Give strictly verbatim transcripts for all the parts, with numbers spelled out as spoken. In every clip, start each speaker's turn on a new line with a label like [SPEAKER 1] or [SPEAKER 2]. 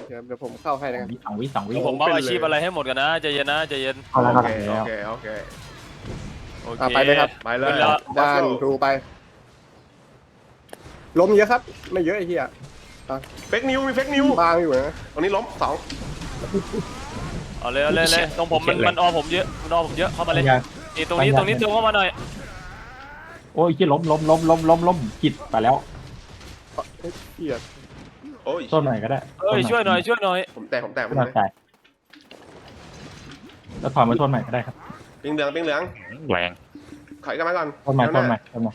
[SPEAKER 1] เดี๋ยวผมเข้าให้นะครับ
[SPEAKER 2] สองวิสองวิ
[SPEAKER 3] ผมเอาอาชีพอะไรให้หมดกันนะใจเย็นนะใจเย็น
[SPEAKER 2] เอาแล้ว
[SPEAKER 4] โอ
[SPEAKER 2] ก็
[SPEAKER 4] เค
[SPEAKER 2] แล้
[SPEAKER 4] โอ
[SPEAKER 2] ว
[SPEAKER 4] เคโอเค
[SPEAKER 3] โอเค
[SPEAKER 1] อ่ะไปเลยครับ
[SPEAKER 4] ไปเลย
[SPEAKER 1] ด้านดูไปล้มเยอะครับ ไม่เยอะไอ้เหี้ย
[SPEAKER 4] เฟกนิวมีเฟกนิว
[SPEAKER 1] บางอยู่นะ
[SPEAKER 4] ตรงนี้ล้มสอง
[SPEAKER 3] เอาเลยเอาเลยเลยตรงผมมันมันออผมเยอะมันออผมเยอะเข้ามาเลยนี่ตรงนี้ตรงนี้ตรงเข้ามาหน่อย
[SPEAKER 2] โอ้ยที่ล้มล้มล้มล้มล้มล้มผิดไปแล้ว
[SPEAKER 1] เหี้ย
[SPEAKER 4] โอ้ย
[SPEAKER 2] ต้นหน่อยก็ได้
[SPEAKER 3] เอ้ยช่วยหน่อยช่วยหน่อย
[SPEAKER 4] ผมแตกผมแตกผม
[SPEAKER 2] ต้นหน่อย
[SPEAKER 4] แตก
[SPEAKER 2] จ่ายแล้วถอยมาต้นใหม่ก็ได้ครับ
[SPEAKER 4] ปิงเหลืองปิงเหลือง
[SPEAKER 5] แรง
[SPEAKER 4] ถอยกันมาก่อน
[SPEAKER 2] ต้นใหม่ต้นใหม่ต้นใหม่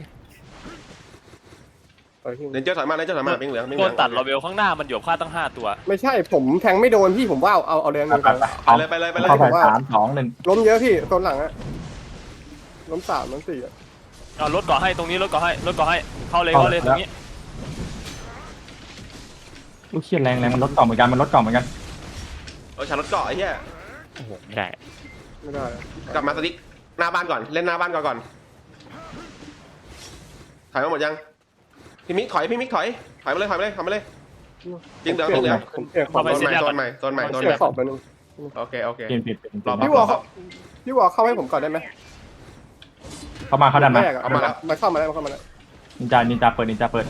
[SPEAKER 1] ไปที่
[SPEAKER 4] เรนเจอร์ถอยมาเรนเจอร์ถอยมาปิงเหลืองปิงเห
[SPEAKER 3] โด
[SPEAKER 4] ลื
[SPEAKER 3] นตัดเราเบลข้างหน้ามันอยู่ค่าตั้งห้าตัว
[SPEAKER 1] ไม่ใช่ผมแทงไม่โดนพี่ผมว่าเอาเอาเอาแรงหนึ่ง
[SPEAKER 2] ไป
[SPEAKER 1] ก่อน
[SPEAKER 2] ไป
[SPEAKER 4] ไปเลยไปเลยไปเลย
[SPEAKER 2] เข้าไปสามสองหนึ่ง
[SPEAKER 1] ล้มเยอะพี่ต้นหลังอะล้มสามล้มสี่อะ
[SPEAKER 3] เอารถก่อให้ตรงนี้รถก่อให้รถก่อให้เข้าเลยเข้าเลยตรงนี้
[SPEAKER 2] ลูกเชียแรงแรงมันลดต่อเหมือนกันมันลดต่อเหมือนกัน
[SPEAKER 4] เออชาร์ลอตเกาะไอ้เหี้ย
[SPEAKER 5] โอ้โหไม่ได้
[SPEAKER 1] ไม่ได้อะ
[SPEAKER 4] กลับมาสติ๊กหน้าบ้านก่อนเล่นหน้าบ้านก่อนก่อนถอยมาหมดยังพี่มิกถอยพี่มิกถอยถอยมาเลยถอยมาเลยถอยมาเลยปิงเหลืองปิงเหลือง
[SPEAKER 1] ผมเปลี่ยนขอบ
[SPEAKER 4] โซนใหม่โซนใหม่โซนใหม่โซน
[SPEAKER 1] เปลี่
[SPEAKER 4] ให
[SPEAKER 1] ย
[SPEAKER 4] ม่
[SPEAKER 1] นขอบไปหนึง
[SPEAKER 4] โอเคโอเค
[SPEAKER 2] เปลี่ยนเปลี่ยนเปลี่ยน
[SPEAKER 4] รอ
[SPEAKER 1] พี่วอลเขาพี่วอลเข้าให้ผมก่อนได้ไหม
[SPEAKER 2] เข้ามาเข้าดันมา
[SPEAKER 1] แรกอะมามาเข้ามาแล้วมาเข้ามาแล้ว
[SPEAKER 2] นินจานินจาเปิดนินจาเปิด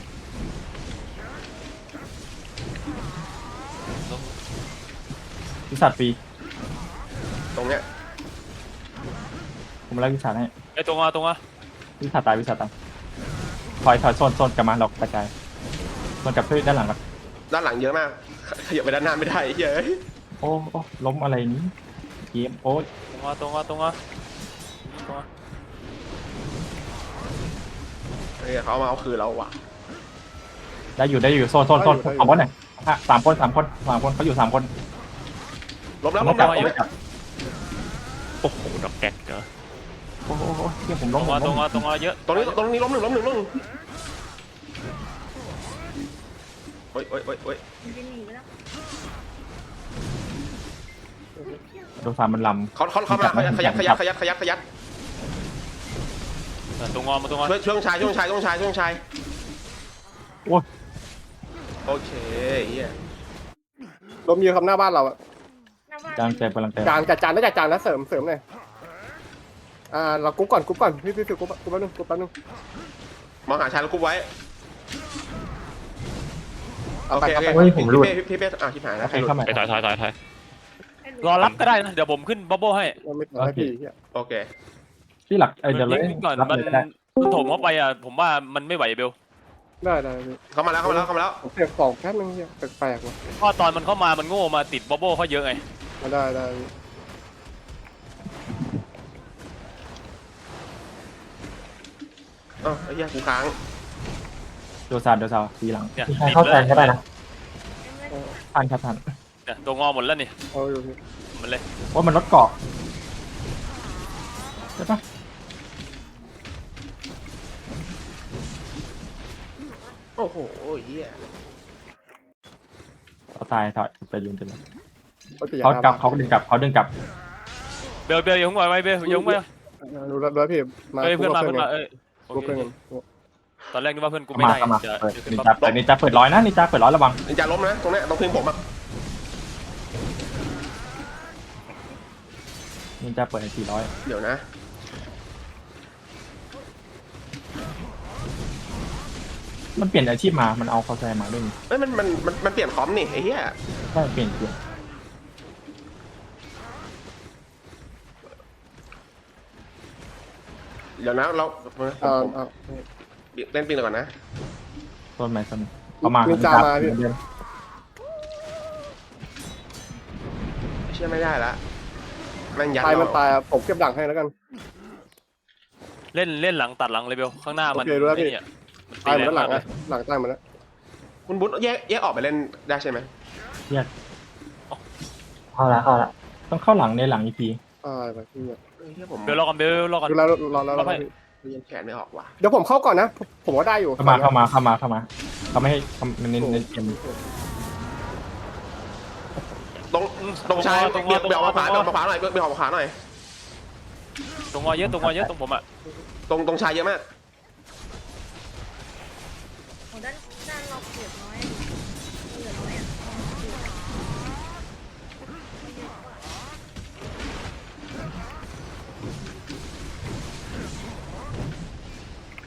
[SPEAKER 2] วิสัทฟรี
[SPEAKER 4] ตรงเนี้ย
[SPEAKER 2] ผมไล่วิสัทให้
[SPEAKER 3] ไอ้ตรงอ่ะตรงอ่ะ
[SPEAKER 2] วิสัทตายวิสัทตายถอยถอยโซนโซนกลับมาเรากระจายโซนกลับเพื่อด้านหลังครับ
[SPEAKER 4] ด้านหลังเยอะมากขยับไปด้านหน้าไม่ได้ไอ้เหี้ยเอ้ย
[SPEAKER 2] โอ้โอ้ล้มอะไรนี้เกมโอ้ย
[SPEAKER 3] ตรงอ่ะตรงอ่ะตรงอ่ะตรงอ่ะ
[SPEAKER 4] เฮ้ยเขาเอามาเอาคืนเราว่ะ
[SPEAKER 2] ได้อยู่ได้อยู่โซนโซนโซนสามคนเนี่ยสามคนสามคนสามคนเขาอยู่สามคน
[SPEAKER 4] ล้มแล้ว
[SPEAKER 2] ล้
[SPEAKER 4] ล้
[SPEAKER 2] ม
[SPEAKER 4] ม
[SPEAKER 2] จั
[SPEAKER 4] แล้
[SPEAKER 2] บ
[SPEAKER 4] ว
[SPEAKER 2] ล้มจับ
[SPEAKER 5] โอ้โหดอกแก๊กเนอะ
[SPEAKER 2] โอ้โหเที่ยผม
[SPEAKER 3] ต
[SPEAKER 2] ล้
[SPEAKER 3] ร
[SPEAKER 2] ม
[SPEAKER 3] งอ่ะตรงอ่ะตรงอ่ะเยอะ
[SPEAKER 4] ตรงนี้ตรงนี้ล้มหนึ่งล้มหนึ่งล้มหนึ่งโอ้ยโอ้ยโอ้ยโอ้ย
[SPEAKER 2] โดนสามมันล
[SPEAKER 4] เขาเขาเขามาขยับขยับขยับขยับขยับ
[SPEAKER 3] ตรงอ่ะมาตรงอ่ะ
[SPEAKER 4] ช่วยช่วงชายช่วงชายช่วงชายช่วงชาย
[SPEAKER 2] ำโอ้ย
[SPEAKER 4] โอเคเฮีย
[SPEAKER 1] ล้มเยอะครับหน้าบ้านเราอะ
[SPEAKER 2] กำลังเจ็บกำลังเจ็บ
[SPEAKER 1] จานจัดจานแล้วจัดจานแล้วเสริมเสริมเลยอ่าเรากุ๊กก่อนกุ๊กก่อนพี่พี่พี่กุ๊กกุ๊กแป๊บนึงกุ๊กแป๊บนึง
[SPEAKER 4] มองหาชายแล้วคุบไว้
[SPEAKER 1] เอา
[SPEAKER 4] โอ
[SPEAKER 1] ไป
[SPEAKER 4] เค
[SPEAKER 1] เอา
[SPEAKER 4] โอ
[SPEAKER 1] ไป
[SPEAKER 4] เคพี่เป้พี่เป้อ่ะชิบหายแล้ว
[SPEAKER 2] ใครเข้ามา
[SPEAKER 5] ไปถอยถอยถอยถอย
[SPEAKER 3] รอรับก็ได้นะเดี๋ยวผมขึ้นบับเบิ้ลให้
[SPEAKER 1] เราไม่ต่อให้พี่เหี้ย
[SPEAKER 4] โอเค
[SPEAKER 2] ที่หลักเดี๋ยวเลย
[SPEAKER 3] ยิงก่อน
[SPEAKER 2] รับ
[SPEAKER 3] มัน
[SPEAKER 2] เลยก็ได้
[SPEAKER 3] มันโถมเข้าไปอ่ะผมว่ามันไม่ไหวเบล
[SPEAKER 1] ได้ได้พี่
[SPEAKER 4] เข้ามาแล้วเข้ามาแล้วเข้ามาแล้ว
[SPEAKER 1] ผมเปลี่ยนของแป๊บนึงเหี้ยแปลกๆว่ะ
[SPEAKER 3] เพราะตอนมันเข้ามามันโง่มาติดบับเบิ้ลเขาเยอะไง
[SPEAKER 1] มาได้ได้พี่
[SPEAKER 4] อ๋อไอ้เหี้ยกูค้าง
[SPEAKER 2] โดซาโดซาทีหลัง
[SPEAKER 3] เนี่ย
[SPEAKER 2] ใครเข้าแทนก็ได้นะทันครับทัน
[SPEAKER 3] เนี่ยตัวงอหมดแล้วนี่
[SPEAKER 1] เอาอยู่พี่
[SPEAKER 3] มันเลย
[SPEAKER 2] ว่ามันลดเกาะใช่ปะ
[SPEAKER 4] โอ้โหเฮีย
[SPEAKER 2] เขาตายถอยไปยืนจน
[SPEAKER 1] เขาตี
[SPEAKER 2] เขา
[SPEAKER 1] หน้
[SPEAKER 2] กลับ
[SPEAKER 1] บ้น
[SPEAKER 2] เขาดึงกลับเขาดึงกลับ
[SPEAKER 3] เบลเบลอย่าhunไหวไว้เบลอย่าhunไหว
[SPEAKER 1] รู้แล้วรู้แล้วพี่มา
[SPEAKER 3] เอ้ยเพื่อนมา
[SPEAKER 1] กุ๊
[SPEAKER 3] เพื่
[SPEAKER 1] ก
[SPEAKER 3] อน
[SPEAKER 1] กั
[SPEAKER 3] มาเอ้ยโอ
[SPEAKER 1] กุ๊ก
[SPEAKER 3] เค
[SPEAKER 1] เพื่อนกัน
[SPEAKER 3] ตอนแรกนึกว่าเพื่อนกู
[SPEAKER 2] เข้า
[SPEAKER 3] ไม่
[SPEAKER 2] มา
[SPEAKER 3] ได้
[SPEAKER 2] เข้ามา
[SPEAKER 3] จะ
[SPEAKER 2] เปิด
[SPEAKER 3] จะขึ้
[SPEAKER 2] นิ
[SPEAKER 3] น
[SPEAKER 2] น
[SPEAKER 3] บั
[SPEAKER 2] จา
[SPEAKER 3] บ
[SPEAKER 2] เปิดนินจาเปิดร้อยนะนินจาเปิดร้อยระวัง
[SPEAKER 4] นินจาล้มนะตรงเนี้ยตรงพิงผมอ่ะ
[SPEAKER 2] นินจาเปิดสี่ร้อย
[SPEAKER 4] เดี๋ยวนะ
[SPEAKER 2] มันเปลี่ยนอาชีพมามันเอาคอแซมาด้วยนี่
[SPEAKER 4] เอ้ยมันมันมันมันเปลี่ยนคอมนี่ไอ้เหี้ย
[SPEAKER 2] ใช่เปลี่ยนเปลี่ยน
[SPEAKER 4] เดี๋ยวนะเรา
[SPEAKER 1] เอาเอา
[SPEAKER 4] เล่นปิงก่อนนะ
[SPEAKER 2] ต้นไม้ต้นเข้ามา
[SPEAKER 1] นินจามาพี่
[SPEAKER 2] เดิน
[SPEAKER 4] เชื่อไม่ได้ละแม่งยัด
[SPEAKER 1] ตายมัน
[SPEAKER 4] เรา
[SPEAKER 1] ตายอะผมเก็บดังให้แล้วกัน
[SPEAKER 3] เล่นเล่นหลังตัดหลังเลยเบลข้างหน้ามัน
[SPEAKER 1] โอเครู้แล้วพี่
[SPEAKER 3] ไอ้เนี่ยมัน
[SPEAKER 1] ตายหมด
[SPEAKER 3] แร
[SPEAKER 1] แล้วหลัง
[SPEAKER 3] มาก
[SPEAKER 1] อะหลังตายหมดแล้ว
[SPEAKER 4] คุณบุ๊ทแยกแยกออกไปเล่นได้ใช่ไหม
[SPEAKER 2] เข้าละเข้าละต้องเข้าหลังในหลังอีกที
[SPEAKER 1] ตายไปพี่อะ
[SPEAKER 4] เฮ้ยเหี้ยผม
[SPEAKER 3] เบลรอก่อนเบลรอก่อน
[SPEAKER 1] ดูแล้วรอแล้วรอ
[SPEAKER 3] เอาไป
[SPEAKER 1] แล้วพี่
[SPEAKER 4] ยังแขนไม่ออกว่ะ
[SPEAKER 1] เดี๋ยวผมเข้าก่อนนะ ผมว่าได้อยู่
[SPEAKER 2] เข้ามาเข้ามาเข้ามาเข้ามาเขาไม่ให้เขาเน้นเน้นเกม
[SPEAKER 4] ตรงตรงชายเบียดเบียดออกมาขวาเบียดออกมาขวาหน่อยเบียดออกมาขวาหน่อย
[SPEAKER 3] ตรงงอเยอะตรงงอเยอะตรงผมอ่ะ
[SPEAKER 4] ตรงตรงชายเยอะมาก
[SPEAKER 6] ของด้านด้านเราเปรียบน้อยเหลือน้อยอ่ะ
[SPEAKER 1] ร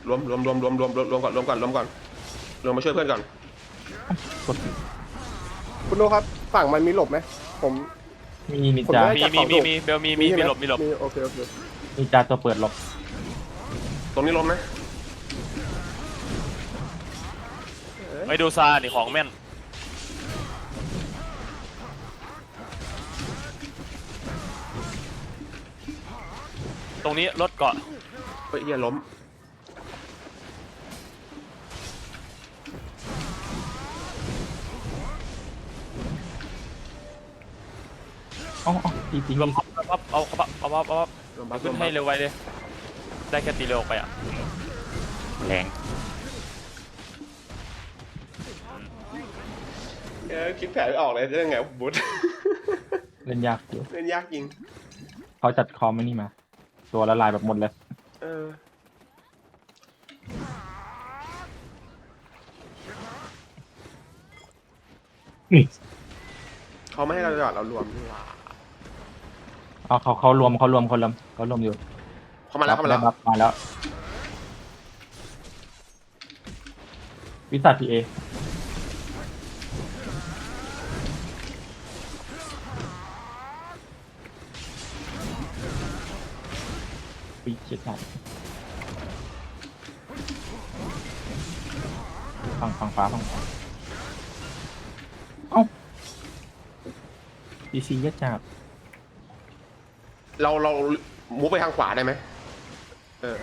[SPEAKER 4] รวมรวมรวมรวมรวมรวมรวมก่อนรวมก่อนรวมก่อนรวมมาช่วยเพื่อนก่อน
[SPEAKER 2] กด
[SPEAKER 1] คุณโนครับฝั่งมันมีหลบไหมผม
[SPEAKER 2] มีมี
[SPEAKER 1] ผม
[SPEAKER 2] จา
[SPEAKER 1] ได้
[SPEAKER 3] มีมีมีมีเบลมีมี
[SPEAKER 1] ใช่
[SPEAKER 3] มี
[SPEAKER 1] ไ
[SPEAKER 3] หลบมีหลบ
[SPEAKER 1] โอเคโอเค
[SPEAKER 2] มีจาตัวเปิดหลบ
[SPEAKER 4] ตรงนี้ล้มนะ
[SPEAKER 3] ไปดูซานี่ของแม่นตรงนี้รถเกาะ
[SPEAKER 4] เฮ้ยเฮียล้ม
[SPEAKER 2] อ๋ออ๋อตีตี
[SPEAKER 3] รวมเอาเอาเอาเอาเอาเอา
[SPEAKER 4] รวมบัฟร
[SPEAKER 3] ขึ้
[SPEAKER 4] วน ม
[SPEAKER 3] ให้
[SPEAKER 4] บัฟ
[SPEAKER 3] เร็วไวเลย ได้แค่ตีเร็วออกไปอ่ะ
[SPEAKER 5] แรง
[SPEAKER 4] เออคิดแผนไม่ออกเลยจะยังไงบุ๊ด
[SPEAKER 2] เล่นยากอยู่
[SPEAKER 4] เล่นยากจริง
[SPEAKER 2] เขาจัดคอมไม่นี่มา ตัวละลายแบบหมดเลย
[SPEAKER 4] เออเขาไม่ให้เราจอดเรารวมดีกว่า
[SPEAKER 2] เอาเขาเขารวมเขารวมคนละเขารวมอยู่
[SPEAKER 4] เขามาแล้วเขามาแล้ว
[SPEAKER 2] รับมาแล้ววิสัทพีเอปีเจ็ดหนักฝั่งฝั่งฟ้าฝั่งฟ้าเอ้าดีซียัดจับ
[SPEAKER 4] เราเรามูฟไปทางขวาได้ไหมเออ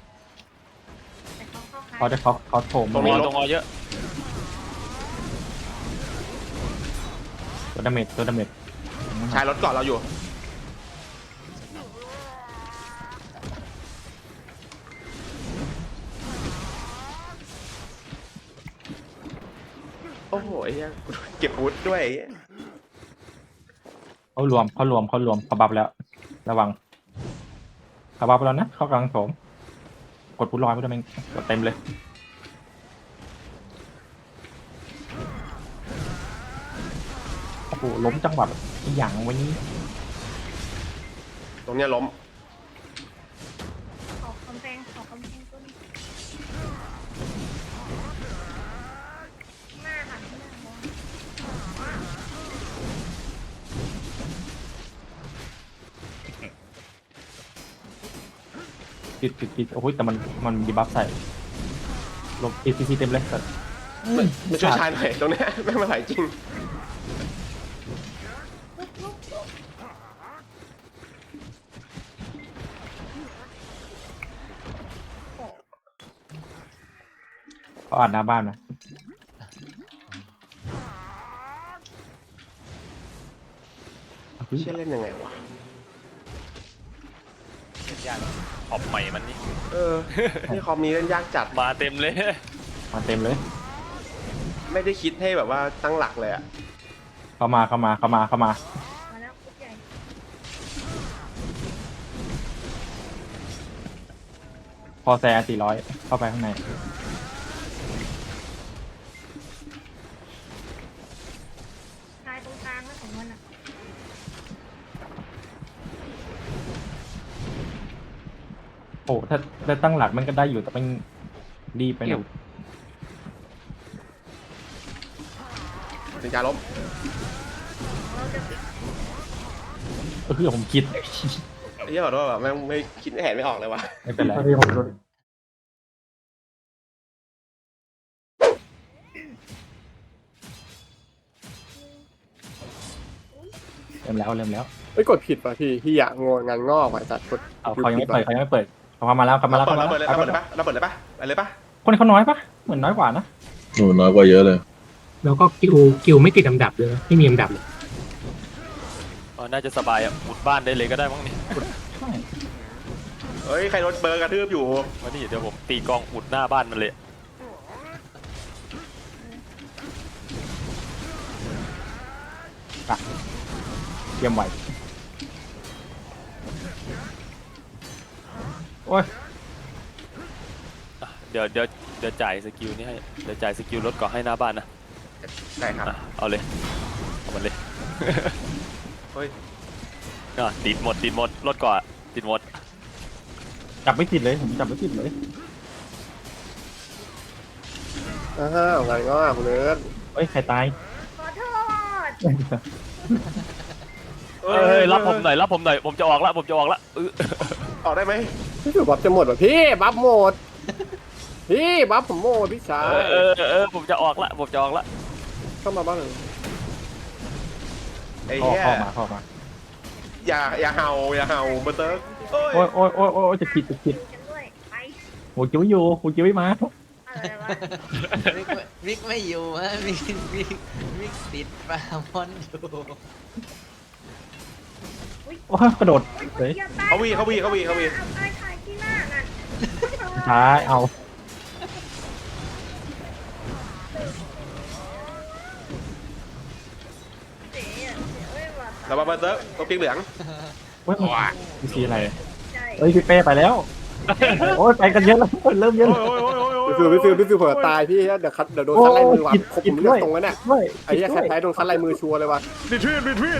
[SPEAKER 2] เขาจะเขาเขาโถม
[SPEAKER 3] ตรง
[SPEAKER 4] นี้
[SPEAKER 3] อ
[SPEAKER 4] ลบ
[SPEAKER 3] ตรงอเยอะ
[SPEAKER 2] ตัวดาเมจตัวดาเมจ
[SPEAKER 4] ชายรถเกาะเราอยู่โอ้โหไอ้เหี้ยเก็บวุฒด้วยไอ้เหี้ย
[SPEAKER 2] เขารวมเขารวมเขารวมเขาบับแล้ว ระวังเขาบับแล้วนะเขากำลังโถมกดปุ๊บลอยไม่ได้แม่งกดเต็มเลยโอ้โหล้มจังหวะแบบอีหยังวันนี้
[SPEAKER 4] ตรงเนี้ยล้ม
[SPEAKER 6] ขอคำแพงขอคำแพงต้นหน้าหันหน้ามอง
[SPEAKER 2] ติดติดติดโอ้โหแต่มันมันดีบัฟใส่ลบติดซีซีเต็มเลยแต่
[SPEAKER 4] มาช่วยชายหน่อยตรงเนี้ยแม่งไม่ไหวจริง
[SPEAKER 2] เขาอ่านหน้าบ้านนะ
[SPEAKER 4] เชื่อเล่นยังไงวะ
[SPEAKER 3] เล่นยากขอบใหม่มันนี่
[SPEAKER 4] เออนี่คอมนี้เล่นยากจัด
[SPEAKER 3] มาเต็มเลย
[SPEAKER 2] มาเต็มเลย
[SPEAKER 4] ไม่ได้คิดให้แบบว่าตั้งหลักเลยอะ
[SPEAKER 2] เข้ามาเข้ามาเข้ามาเข้ามา
[SPEAKER 6] มาแล้วคุกใหญ่
[SPEAKER 2] พอแซร์สี่ร้อยเข้าไปข้างใน
[SPEAKER 6] ชายตรงกลางนะของมันอ่ะ
[SPEAKER 2] โอ้ถ้าได้ตั้งหลักมันก็ได้อยู่แต่มันรีบไปหน่อย
[SPEAKER 4] เป็นการล้ม
[SPEAKER 6] เราจะปิด
[SPEAKER 2] ก็คือผมคิด
[SPEAKER 4] ไอ้เหี้ยขอโทษแบบแม่งไม่คิดแผนไม่ออกเลยวะ
[SPEAKER 2] ไม่เป็นไรเริ่มแล้วเริ่มแล้ว
[SPEAKER 1] เอ้ยกดผิดป่ะพี่พี่อยากงงงานงอกว่ะจัดกด
[SPEAKER 2] เอาเขายังไม่เปิดเขายังไม่เปิดเขาเข้ามาแล้วเข้ามา
[SPEAKER 4] เรา
[SPEAKER 2] แล้ว
[SPEAKER 4] เปิด
[SPEAKER 2] เข้ามา
[SPEAKER 4] เรา
[SPEAKER 2] แล้ว
[SPEAKER 4] เปิดเลยเราเปิดเลยปะเราเปิดเลยปะไปเลยปะ
[SPEAKER 2] คนเขาน้อยปะเหมือนน้อยกว่านะ
[SPEAKER 7] โอ้น้อยกว่าเยอะเลย
[SPEAKER 8] แล้วก็กิวกิวไม่ติดลำดับเลยนะไม่มีลำดับเลย
[SPEAKER 3] อ๋อน่าจะสบายอ่ะอุดบ้านได้เลยก็ได้มั้งนี่
[SPEAKER 2] ใช่
[SPEAKER 4] เฮ้ยใครรถเบอร์กระทืบอยู่
[SPEAKER 3] วันนี้เดี๋ยวผมตีกองอุดหน้าบ้านมันเลย
[SPEAKER 2] เตรียมไหวโอ้ย
[SPEAKER 3] อ่ะเดี๋ยวเดี๋ยวเดี๋ยวจ่ายสกิลนี่ให้เดี๋ยวจ่ายสกิลรถเกาะให้หน้าบ้านนะ
[SPEAKER 4] ได้ครับ
[SPEAKER 3] อ่ะเอาเลยเอามันเลย
[SPEAKER 4] เฮ้ย
[SPEAKER 3] อ่ะติดหมดติดหมดรถเกาะติดหมด
[SPEAKER 2] จับไม่ติดเลยผมจับไม่ติดเลย
[SPEAKER 1] อ้าวงานงอกเนื้อ
[SPEAKER 2] เอ้ยใครตาย
[SPEAKER 6] ขอโทษ
[SPEAKER 3] เอ้ยรับผมหน่อยรับผมหน่อยผมจะออกละผมจะออกละเออ
[SPEAKER 4] ออกได้ไหม
[SPEAKER 1] พี่ฟิวบัฟจะหมดว่ะพี่บัฟหมดพี่บัฟผมหมดพี่ชา
[SPEAKER 3] เอย อเออเออผมจะออกละผมจะออกละ
[SPEAKER 1] เข้ามาบ้างหนึ่ง
[SPEAKER 4] ไอ้
[SPEAKER 2] เข้า
[SPEAKER 4] เหี้ย
[SPEAKER 2] เข้ามาเข้ามา
[SPEAKER 4] อย่าอย่าเห่าอย่าเห่าเบอร์เติร์กโอ้ย
[SPEAKER 2] โอ้ยโอ้ยโอ้ยโอ้ยจะผิดจะผิด
[SPEAKER 6] กันด้วยไป
[SPEAKER 2] หูจิ้วอยู่หูจิ้วไม่มา
[SPEAKER 6] อะไรวะ
[SPEAKER 7] วิกไม่วิกไม่อยู่ฮะวิกวิกวิกติดปลาหมอนอยู่
[SPEAKER 2] โอ้ยกระโดด
[SPEAKER 6] อุ๊ย
[SPEAKER 2] เลย
[SPEAKER 6] อย่ตย
[SPEAKER 4] เขาวีเขาวีเขาวีเขาวี
[SPEAKER 6] เอาตายตายที่หน้านั่น
[SPEAKER 2] ช้าเอา
[SPEAKER 6] เสียเสียเอ้ยว่ะ
[SPEAKER 4] เรามาเบอร์เติร์กตัวปีกเหลือง
[SPEAKER 2] เว้ยมันสีอะไร
[SPEAKER 6] ใช่
[SPEAKER 2] เอ้ยพี่เป้ไปแล้วโอ้ยไปกันเยอะแล้วเริ่มเยอะแล้ว
[SPEAKER 4] โอ้ยโอ้ยโอ้ยโอ้ย
[SPEAKER 1] พี่ฟิวพี่ฟิวพี่ฟิวเผื่อตายพี่เดี๋ยวคัดเดี๋ยวโดนคัดลายมือว่ะครบผมเลือกตรงนั้นเนี่ย
[SPEAKER 2] ด้วย
[SPEAKER 1] ไอ้เหี้ยแค่แพ้โดนคัดลายมือชัวร์เลยว่ะ
[SPEAKER 4] รีทวีตรีทวีต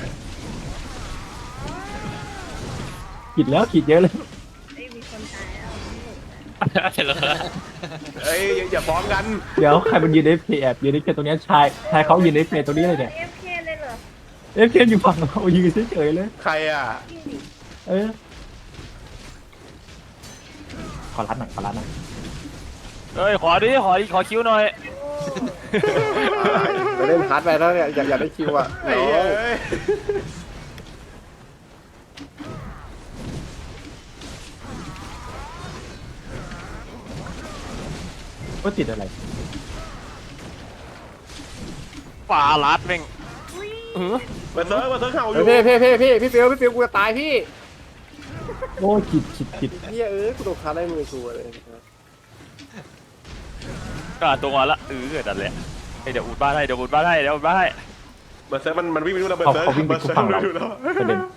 [SPEAKER 2] ขีดแล้วขีดเยอะเลย
[SPEAKER 6] เอ้ยมีคนตายแล้ว
[SPEAKER 5] เสร็จแล้ว
[SPEAKER 4] เอ้ยอย่าอย่าฟ้องกัน
[SPEAKER 2] เดี๋ยวใครมันยืนในเพย์แอบยืนในเพย์ตรงเนี้ยชายชายเขายืนในเพย์ตรงนี้เลยเนี่ย
[SPEAKER 6] เอฟเคเลยเหรอ
[SPEAKER 2] เอฟเคอยู่ฝั่งเรายืนเฉยๆเลย
[SPEAKER 4] ใครอ่ะ
[SPEAKER 6] จริงดิ
[SPEAKER 2] เออขอรัดหน่อยขอรัดหน่อย
[SPEAKER 3] เอ้ยขอดิขอดิขอคิวหน่อย
[SPEAKER 1] เดี๋ยวเล่นฮาร์ดไปแล้วเนี่ยอยากอยากได้คิวอ่ะ
[SPEAKER 4] ไอ้
[SPEAKER 1] น้
[SPEAKER 4] เหี้
[SPEAKER 1] อย ง
[SPEAKER 4] เอ้ย
[SPEAKER 2] ก็ติดอะไร
[SPEAKER 3] ปลาลัดแม่ง
[SPEAKER 6] อุ้ย
[SPEAKER 3] เออ
[SPEAKER 4] เบอร์เติร์กเบอร์เติร์กเห่าอ
[SPEAKER 1] เฮ้
[SPEAKER 4] ยู่
[SPEAKER 1] ยพี่พี่พี่พี่พี่ฟิวพี่ฟิวกูจะตายพี่
[SPEAKER 2] โอ้ขีดขีดขีด
[SPEAKER 1] เฮียเอ้ยกูโดนคัดลายมือชัวร์เลย
[SPEAKER 3] ก็อ่านตัวงอนละเออนั่นแหละเฮ้ยเดี๋ยวอุดบ้านให้เดี๋ยวอุดบ้านให้เดี๋ยวอุดบ้านให้
[SPEAKER 4] เบอร์เติร์กมันมันวิ่งไปดูแล้วเบอ
[SPEAKER 2] เขา
[SPEAKER 4] ร์เติร์ก
[SPEAKER 2] เขาวิ่งไป
[SPEAKER 4] เบอร์
[SPEAKER 2] ทุก
[SPEAKER 4] เติร์
[SPEAKER 2] ฝั่ง
[SPEAKER 4] ก
[SPEAKER 2] เรา
[SPEAKER 4] ดูแล้ว
[SPEAKER 2] ประเด็น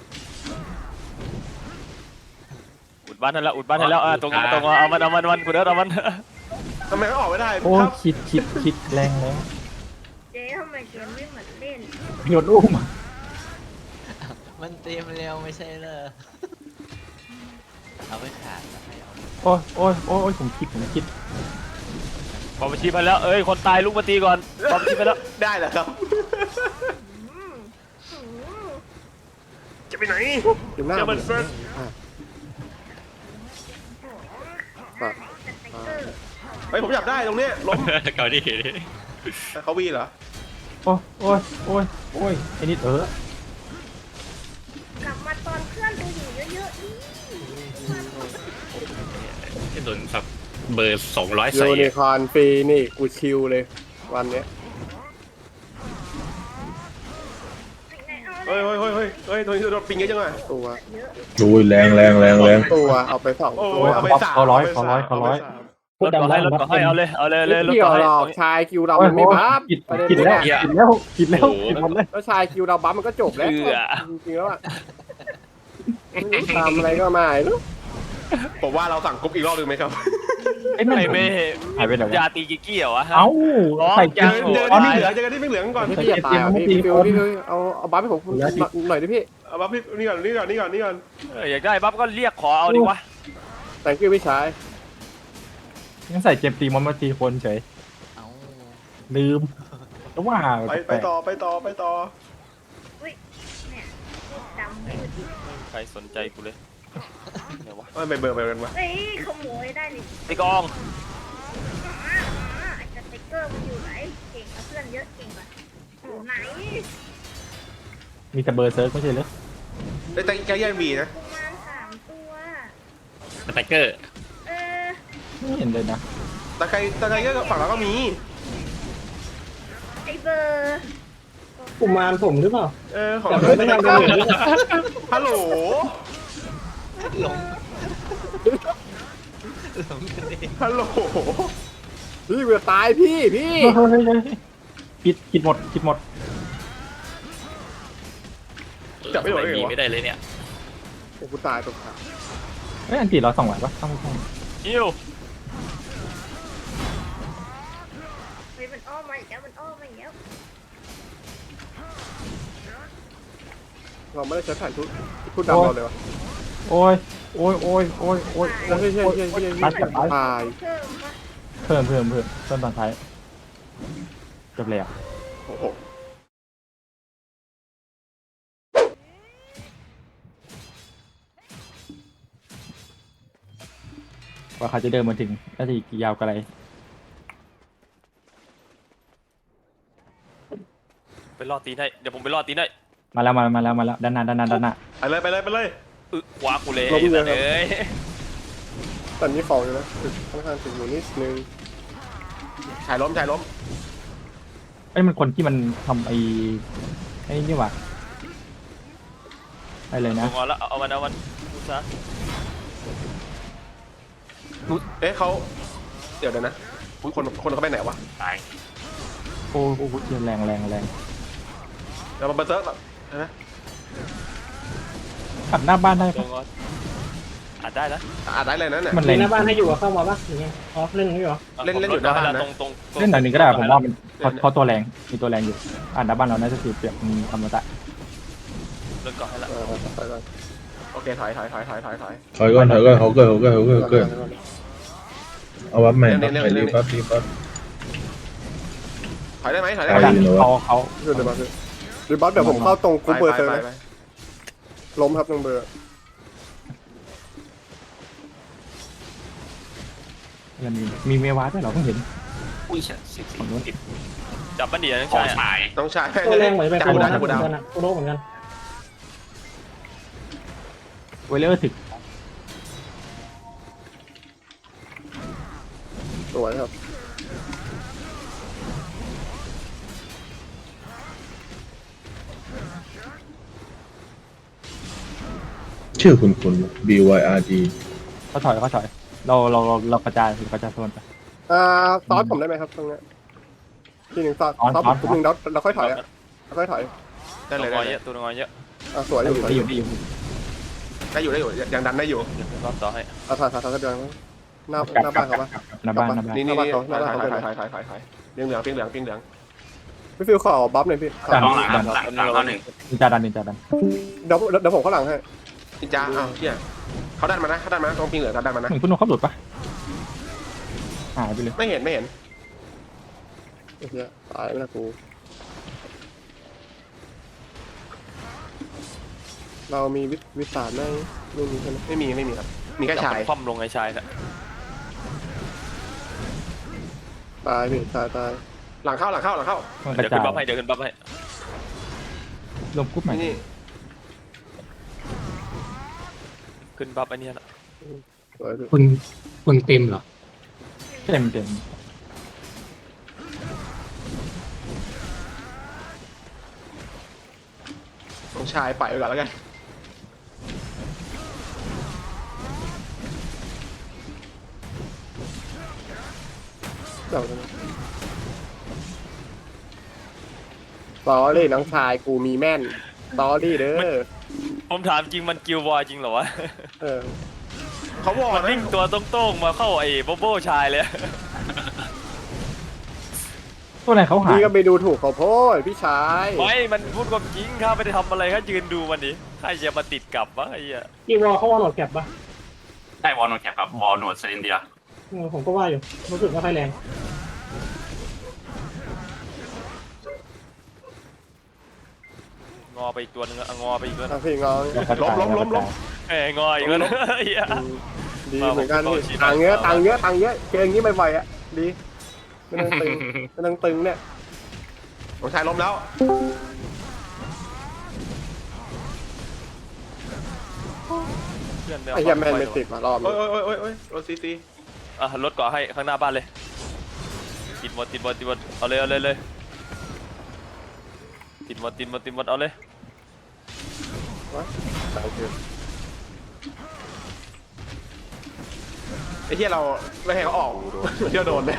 [SPEAKER 3] อุดบ้านให้แล้วอุดบ้านให้แล้วอ่าตัวงอนตัวงอนเอามันเอามันเอามันกูเด้อเอามัน
[SPEAKER 4] ทำไมเขาออกไม่ได้
[SPEAKER 2] โอ้
[SPEAKER 4] ครับ
[SPEAKER 2] ขีดขีดขีดแรงแล้ว
[SPEAKER 6] เจ๊ทำไมเกมไม่เหมือนเล่น
[SPEAKER 2] โยนอุ้ม
[SPEAKER 7] มันเต็มเร็วไม่ใช่เหรอเอาไปขาดแล้วให้เอา
[SPEAKER 2] โอ้ยโอ้ยโอ้ยผมคิดผมคิด
[SPEAKER 3] บอมชีพไปแล้วเอ้ยคนตายลุกมาตีก่อนบอมชีพไปแล้ว
[SPEAKER 4] ได้เหรอครับ
[SPEAKER 6] อืมอืม
[SPEAKER 4] จะไปไหน
[SPEAKER 1] อยู่หน้า
[SPEAKER 4] จะ
[SPEAKER 1] ผ
[SPEAKER 4] มัน
[SPEAKER 1] ม
[SPEAKER 4] เฟิร์ส
[SPEAKER 1] อ่ะ
[SPEAKER 6] สเต็กเกอร์
[SPEAKER 4] เฮ้ยผมอยากได้ตรงเนี้ยล้ม
[SPEAKER 5] เกาดี
[SPEAKER 4] เขาวีเหรอ
[SPEAKER 2] โอ้ยโอ้ยโอ้ยโอ้ยไอ้นิดเออก
[SPEAKER 6] ลับมาตอนเพื่อนดูอยู่เยอะๆนี่
[SPEAKER 5] โดนสับเบอร์สองร้อย
[SPEAKER 1] ยู
[SPEAKER 5] ใส่
[SPEAKER 1] นิคอร์นฟรีนี่กูชิลเลยวันเนี้ย
[SPEAKER 4] เฮ้ยเฮ้ยเฮ้ยเฮ้ยเฮ้ยตัวนี้โดนปิงเยอะจังอ่ะ
[SPEAKER 1] ตัว
[SPEAKER 9] ดูแรงแรงแรงแรง
[SPEAKER 1] ตัวเอาไปสอง
[SPEAKER 4] โอ้
[SPEAKER 1] ตัวย
[SPEAKER 4] เอาไปสาม
[SPEAKER 2] เขาร้อย
[SPEAKER 4] ไป
[SPEAKER 2] เขา
[SPEAKER 4] สาม
[SPEAKER 2] ร้อยเขาร้อย
[SPEAKER 4] ไปสาม
[SPEAKER 3] รถก่อให้รถก่อให้เอาเลยเอาเลยเลยรถ
[SPEAKER 1] เกี่ย
[SPEAKER 3] ก่
[SPEAKER 1] ว
[SPEAKER 3] อให้
[SPEAKER 1] หรอกชายคิวเรามันไม่บัฟ
[SPEAKER 2] กิด
[SPEAKER 1] ประเด็น
[SPEAKER 2] กิด
[SPEAKER 1] นี้
[SPEAKER 2] แล้ว
[SPEAKER 1] อะ
[SPEAKER 2] กิดแล้วกิดแล้วกิดหมดเลย
[SPEAKER 1] แล้วชายคิวเราบัฟมันก็จบแล้วจริงๆแล้วอะทำอะไรก็ไม่รู้
[SPEAKER 4] ผมว่าเราสั่งกรุ๊ปอีกรอบหนึ่งไหมครับ
[SPEAKER 2] ไอ้แม่
[SPEAKER 3] ไม่ไม่
[SPEAKER 2] หายไปไหน
[SPEAKER 3] ยาว ตีกิกกี้เหรอวะ
[SPEAKER 2] เอ้าใส่
[SPEAKER 4] เจ
[SPEAKER 2] กิ
[SPEAKER 4] อน เจอ
[SPEAKER 2] อ๋อ
[SPEAKER 4] ที่
[SPEAKER 2] นี่
[SPEAKER 4] เหลือเจอกันที่ไม่เหลืองก่อน
[SPEAKER 1] พี่พี่อย่าตายอ่ะพี่พี่ฟิวพี่ฟิวเอาเอาบัฟให้ผมหน่อยดิพี่
[SPEAKER 4] เอาบัฟพี่นี่ก่อนนี่ก่อนนี่ก่อนนี่ก่อน
[SPEAKER 3] เอออยากได้บัฟก็เรียกขอเอาดิวะ
[SPEAKER 1] แต่งกิ้วพี่ชาย
[SPEAKER 2] ยังใส่เจมตีมอนมาตีคนเฉย
[SPEAKER 7] เอา
[SPEAKER 2] ลืมแล้วว่า
[SPEAKER 4] ไปไปต่อไปต่อไปต่อ
[SPEAKER 6] เนี่ยพูดดำพูด
[SPEAKER 3] ใครสนใจกูเลยเดี๋ยววะ
[SPEAKER 4] เอ้ยไปเบอร์ไปกันวะ
[SPEAKER 6] เฮ้ยขโมยได้นี่
[SPEAKER 3] ไอ้กอง
[SPEAKER 6] อ่าไอ้สเต็กเกอร์มันอยู่ไหนเก่งกับเพื่อนเยอะเก่งกว่าอยู่ไหน
[SPEAKER 2] มีแต่เบอร์เซิร์ฟไม่ใช่เหรอ
[SPEAKER 4] ได้แต่แกแย่งบีนะ
[SPEAKER 6] ประมาณสามตัว
[SPEAKER 5] สไตรเกอร์
[SPEAKER 6] เออ
[SPEAKER 2] ไม่เห็นเลยนะ
[SPEAKER 4] แต่ใครแต่ใครก็ฝั่งเราก็มี
[SPEAKER 6] ไอเบอร์
[SPEAKER 8] กุมารผมหรือเปล่า
[SPEAKER 4] เออของ
[SPEAKER 8] แต่
[SPEAKER 4] เรา
[SPEAKER 8] ไม่ทำเลย
[SPEAKER 4] ฮัลโหล
[SPEAKER 7] หลงหลงกันเอง
[SPEAKER 4] ฮัลโหล
[SPEAKER 1] พี่กูจะตายพี่พี่
[SPEAKER 2] เฮ้ยเฮ้ยเฮ้ยกิดกิดหมดกิดหมด
[SPEAKER 4] จับไม่โดนเลยเหรอ
[SPEAKER 5] ไม่ได้เลยเนี่ย
[SPEAKER 1] โอ้กูตายตกขา
[SPEAKER 2] เฮ้ยอันตีเราสองไหวปะต้องไม่ต้อง
[SPEAKER 3] อิว
[SPEAKER 6] เฮ้ยมันอ้อมมาอีกแล้วมันอ้อมมาอีกแล้ว
[SPEAKER 1] เราไม่ได้ใช้แผ่นทุทุดดำเราเลยวะ
[SPEAKER 2] โอ้ยโอ้ยโอ้ยโอ้ยโอ้ย
[SPEAKER 1] โอ้ยเฮ้ยเฮ้ยเฮ้ยเฮ้ยตาย
[SPEAKER 6] เพิ่มปะ
[SPEAKER 2] เพิ่มเพิ่มเพิ่มเพิ่มตอนท้ายจบแล้ว
[SPEAKER 4] โอ้โห
[SPEAKER 2] ว่าเขาจะเดินมาถึงน่าจะอีกยาวไกล
[SPEAKER 3] ไปรอตีนให้เดี๋ยวผมไปรอตีนให้
[SPEAKER 2] มาแล้วมามาแล้วมาแล้วด้านหน้าด้านหน้าด้านหน้า
[SPEAKER 4] ไปเลยไปเลยไปเลย
[SPEAKER 3] อึขวากูเลยไอ้สัตว์เอ้ย
[SPEAKER 1] ตอนนี้ของอยู่นะถึงค่อนข้างถึงอยู่นิดนึง
[SPEAKER 4] ชายล้มชายล้ม
[SPEAKER 2] ไอ้ยมันคนที่มันทำไอ้ไอ้นี่หว่าไอ้เลย
[SPEAKER 3] ล
[SPEAKER 2] นะ
[SPEAKER 3] งเอาละเอามันเอามันกูซะ
[SPEAKER 4] เอ๊ะเขาเดี๋ยวเดี๋ยวนะคนคนเขาไปไหนวะ
[SPEAKER 5] ตาย
[SPEAKER 2] โอ้โหแรงแรงแรง
[SPEAKER 4] เรามาเบอร์เซิร์ฟแบบนะ
[SPEAKER 2] ขัดหน้าบ้านได้
[SPEAKER 3] ล
[SPEAKER 2] ปะ
[SPEAKER 3] งเอาอ่านได้นะ
[SPEAKER 4] อ่านได้เลยนั่นน่ะ
[SPEAKER 2] มันแรง
[SPEAKER 8] หน้าบ้านให้อยู่กับเข้ามาปะหรือไงอ๋อเล่นนี่เหรอ
[SPEAKER 4] เล่นเล่นอยู่หน้าบ้านนะ
[SPEAKER 3] ตรงตรงตรง
[SPEAKER 2] เล่นหน่อยหนึ่งก็ได้ผมว่ามันเขาเขาตัวแรงมีตัวแรงอยู่อ่านหน้าบ้านเราน่าจะสีเปรียบมีอมตะ
[SPEAKER 3] เล่นก่อนให้ละ
[SPEAKER 1] เออไปก่อน
[SPEAKER 4] โอเคถอยถอยถอยถอยถอยถอย
[SPEAKER 9] ถอยก่อนถอยก่อนเขาเกิดเขาเกิดเขาเกิดเขาเกิดเอาวับใหม่วับใหม่รีบวับรีบวับ
[SPEAKER 4] ถอยได้ไหมถอยได้
[SPEAKER 2] เขา
[SPEAKER 4] ไหม
[SPEAKER 2] ดันเขาเขา
[SPEAKER 1] เดี๋ยวเดี๋ยวมาคือเดี๋ยวบัสเดี๋ยวผมเข้าตรงกรุ๊ปเบอร์เซอร์
[SPEAKER 4] ไป
[SPEAKER 1] นะ
[SPEAKER 4] ไป
[SPEAKER 1] ล้มครับตรงเบอร์
[SPEAKER 2] ยังมีมีเมวาด้วยเหรอเพิ่งเห็น
[SPEAKER 5] อุ้ยเสียสิบ
[SPEAKER 2] ฝั่งนู้น
[SPEAKER 5] สิบ
[SPEAKER 3] จับมันดีนะ
[SPEAKER 5] ขอ
[SPEAKER 3] ใช่
[SPEAKER 5] งชาย
[SPEAKER 4] น้องชาย
[SPEAKER 8] ตัวแรงเหมือนไป
[SPEAKER 4] จับ
[SPEAKER 8] โค
[SPEAKER 4] กู
[SPEAKER 8] โร
[SPEAKER 4] ดาว
[SPEAKER 8] นะ
[SPEAKER 4] จับ
[SPEAKER 8] เห
[SPEAKER 4] กู
[SPEAKER 8] มือ
[SPEAKER 4] ดาวน
[SPEAKER 8] กันอะโคโรเหมือนกัน
[SPEAKER 2] เวเลอร์ถึก
[SPEAKER 1] สวยครับ
[SPEAKER 9] ชื่อคุณคุณ B Y R D
[SPEAKER 2] เขาถอยเขาถอยเราเราเราเรากระจายเรากระจายโซนไป
[SPEAKER 1] อ่าซอสผมได้ไหมครับตรงเนี้ยทีหนึ่งซอส
[SPEAKER 2] อ๋อ
[SPEAKER 1] ซอส
[SPEAKER 2] ซอส
[SPEAKER 1] ผมหนึ่งแล้วเราค่อยถอยอ่ะเราค่อยถอย
[SPEAKER 4] ได้
[SPEAKER 3] ตัว
[SPEAKER 4] เลย
[SPEAKER 3] งอ
[SPEAKER 4] ได้
[SPEAKER 3] เย
[SPEAKER 4] เลย
[SPEAKER 3] อะตัวงอเยอะ
[SPEAKER 1] อ่าสวยอ
[SPEAKER 2] ได้
[SPEAKER 1] ยู่
[SPEAKER 2] อยู่
[SPEAKER 1] สวย
[SPEAKER 2] ได้
[SPEAKER 1] อ
[SPEAKER 2] อยู่ ยู่ได้อยู่
[SPEAKER 4] ได้อยู่ได้อยู่ยังดันได้อยู่
[SPEAKER 3] เดี๋ยวรอบต่อให้
[SPEAKER 1] อ่าถอยถอยถอยกันเดือนหน้าก
[SPEAKER 2] ลับ
[SPEAKER 1] หน้าก
[SPEAKER 2] ลั
[SPEAKER 1] บ้าน
[SPEAKER 2] บ
[SPEAKER 1] เขาปะ
[SPEAKER 2] หน้าบ้านหน้าบ้าน
[SPEAKER 4] นี่นี่
[SPEAKER 1] หน้า
[SPEAKER 4] นี่
[SPEAKER 1] บ้านเขาหน้า
[SPEAKER 4] ถอย
[SPEAKER 1] บ้าน
[SPEAKER 4] ถอย
[SPEAKER 1] เขา
[SPEAKER 4] ถอยถอยถอยถอยเปียงเหลืองเปียงเหลืองเปียงเหลือง
[SPEAKER 1] พี่ฟิวขอบัฟหน่อยพี่
[SPEAKER 2] ดัน
[SPEAKER 5] น้องหลังค
[SPEAKER 2] ดั
[SPEAKER 5] รับ
[SPEAKER 2] น
[SPEAKER 5] หลังหลังเข้าหนึ่ง
[SPEAKER 2] นินจาดันนินจาดัน
[SPEAKER 1] เดี๋ยวเดี๋ยวผมเข้าหลังให้
[SPEAKER 4] นินจาอ้าวเฮียเขาดันมานะเขาดันมานะตรงเปียงเหลืองเขาดันมานะ
[SPEAKER 2] เหมือนคุณโนเขาหลุดปะหายไปเลย
[SPEAKER 4] ไม่เห็นไม่เห็น
[SPEAKER 1] ไอ้เหี้ยตายไม่ละกูเรามีวิวิสารไหมไม่มีใช่ไหม
[SPEAKER 4] ไม่มีไม่มีครับมีแค่ชาย
[SPEAKER 3] จับคว่ำลงไอ้ชายน่ะ
[SPEAKER 1] ตายพี่ตายตาย
[SPEAKER 4] หลังเข้าหลังเข้าหลังเข้า
[SPEAKER 2] มันกระ
[SPEAKER 3] เดี๋ยว
[SPEAKER 2] จา
[SPEAKER 3] ขึ้
[SPEAKER 2] ย
[SPEAKER 3] นบัฟให้เดี๋ยวขึ้นบัฟให้
[SPEAKER 2] รวมกรุ๊ปใหม่
[SPEAKER 4] นี่
[SPEAKER 3] ขึ้นบัฟไอ้เนี่ยนะ
[SPEAKER 1] สวยพี่
[SPEAKER 8] คนคนเต็มเหรอ
[SPEAKER 2] เต็มเต็ม
[SPEAKER 4] น้องชายปล่อยไปก่อนแล้วกัน
[SPEAKER 1] เดี๋ยวนะสอรี่น้องชายกูมีแม่นสอรี่เด้อ
[SPEAKER 3] ผมถามจริงมันกิลวอร์จริงเหรอวะ
[SPEAKER 1] เออ
[SPEAKER 4] เขาวอ
[SPEAKER 3] มัน
[SPEAKER 4] นะ
[SPEAKER 3] วิ่งตัวโต้งๆมาเข้าไอ้โบโบชายเลย
[SPEAKER 2] ตัวไหนเขาหาย
[SPEAKER 1] พี่ก็ไปดูถูกเขาโพดพี่ชาย
[SPEAKER 3] ไม่มันพูดความจริงข้าไม่ได้ทำอะไรข้ายืนดูมันดิใครจะมาติดกลับวะไอ้เหี้ย
[SPEAKER 8] กีวอลเขาวอลโหลดแคปปะ
[SPEAKER 5] ได้วอลโนแคปครับวอลโนดเซนเดีย
[SPEAKER 8] เออผมก็ว่าอยู่รู้สึกว่าไฟแรง
[SPEAKER 3] งอไปอีกตัวนึงอะงอไปอีกตัวนึ
[SPEAKER 1] อ่ะ
[SPEAKER 3] ง
[SPEAKER 1] พี่งอ
[SPEAKER 2] เรากระจายเรากระจาย
[SPEAKER 3] เอ้ยงออีกแล้วนะไอ้เหี้ย
[SPEAKER 1] อืมดีเหมือนกันพี่ตังค์เยอะตังค์เยอะตังค์เยอะเจออย่างนี้บ่อยๆอ่ะดีไม่ต้องตึงไม่ต้องตึงเนี่ย
[SPEAKER 4] น้องชายล้มแล้ว
[SPEAKER 3] เพื่อน
[SPEAKER 1] ไอ้เหี้ยแมนไม่ติดมารอบ
[SPEAKER 4] โอ้
[SPEAKER 1] นี้
[SPEAKER 4] ยโอ้ยโอ้ยโอ้ยโอ้ยซีซี
[SPEAKER 3] อ่ะรถเกาะให้ข้างหน้าบ้านเลยติดหมดติดหมดติดหมดเอาเลยเอาเลยเลยติดหมดติดหมดติดหมดเอาเลย
[SPEAKER 1] โอเค
[SPEAKER 4] ไอ้เหี้ยเราไม่ให้เขาออกเที่ยวโดนเลย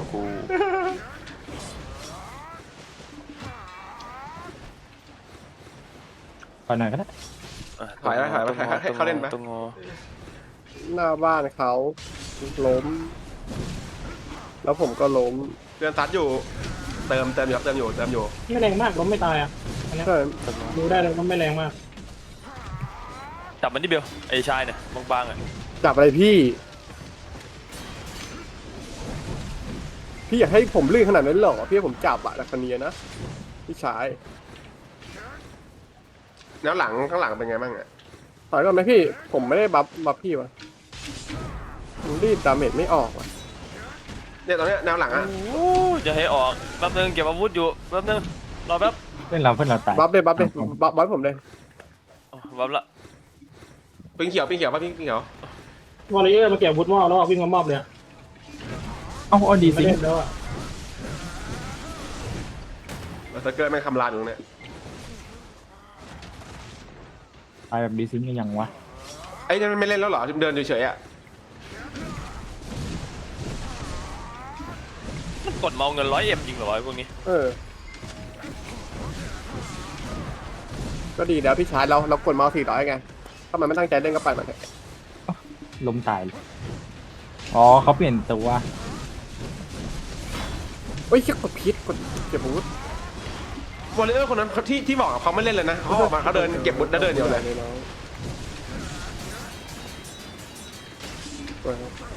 [SPEAKER 2] ไปหน่อยก็ได้
[SPEAKER 4] ถอยไปถอยไปให้ให้เขาเล่นไป
[SPEAKER 3] ต้องงอ
[SPEAKER 1] หน้าบ้านเขาล้ม แล้วผมก็ล้ม
[SPEAKER 4] เตือนซัดอยู่เติมเติมอยู่ครับเติมอยู่เติมอยู่
[SPEAKER 8] ไม่แรงมากล้มไม่ตายอ่ะอันเนี้ย
[SPEAKER 1] ใช่
[SPEAKER 8] ดูได้เลยว่าไม่แรงมาก
[SPEAKER 3] จับมันที่เบลไอ้ชายเนี่ยบางๆอ่ะ
[SPEAKER 1] จับอะไรพี่พี่อยากให้ผมลื่นขนาดนั้นเหรอพี่ให้ผมจับอะลักษณียนะพี่ชาย
[SPEAKER 4] แล้วหลังข้างหลังเป็นไงบ้างอ่ะ
[SPEAKER 1] ถอยก่อนไหมพี่ผมไม่ได้บัฟบัฟพี่วะผมรีดดาเมจไม่ออกว่ะ
[SPEAKER 4] เนี่ยตอนเนี้ยแนวหลังอ่ะ
[SPEAKER 3] โอ้จะให้ออกแป๊บนึงเก็บอาวุธอยู่แป๊บนึงรอแป๊บ
[SPEAKER 2] เพื่อนเราเพื่อนเราตาย
[SPEAKER 1] บัฟเลยบัฟเลยบัฟบัฟผมเลย
[SPEAKER 3] อ๋อบัฟละ
[SPEAKER 4] ปิงเขียวปิงเขียวป่ะปิงปิงเขียว
[SPEAKER 8] วอลเลเยอร์มาเก็บวุฒิมอบแล้ววิ่งมามอบเลย
[SPEAKER 2] เอ้าเอาดี
[SPEAKER 8] ไม่
[SPEAKER 2] สิ
[SPEAKER 8] เล่นแล้วอ่ะ
[SPEAKER 4] แล้วสเกิร์ตแม่งคำรามอยู่ตรงเนี้ย
[SPEAKER 2] ตายแบบดีซิงยังวะ
[SPEAKER 4] ไอ้นี่มันไม่เล่นแล้วเหรอเดินเฉยๆอ่ะ
[SPEAKER 3] มันกดเมาเงินร้อยเอ็มจริงเหรอวะไอ้พวกนี้
[SPEAKER 1] เออก็ดีแล้วพี่ชายเราเรากดเมาส์สี่ร้อยไงถ้ามันไม่ตั้งใจเล่นก็ไปมันเถอะ
[SPEAKER 2] ล้มตายเลยอ๋อเขาเปลี่ยนตัว
[SPEAKER 1] เฮ้ยเชี่ยกดพิษกดเก็บอาวุธ
[SPEAKER 4] วอลเลเยอร์คนนั้นที่ที่บอกเขาไม่เล่นเลยนะเขาออกมาเขาเดินเก็บบุตรแล้วเดินเดียวเลย
[SPEAKER 1] น้อง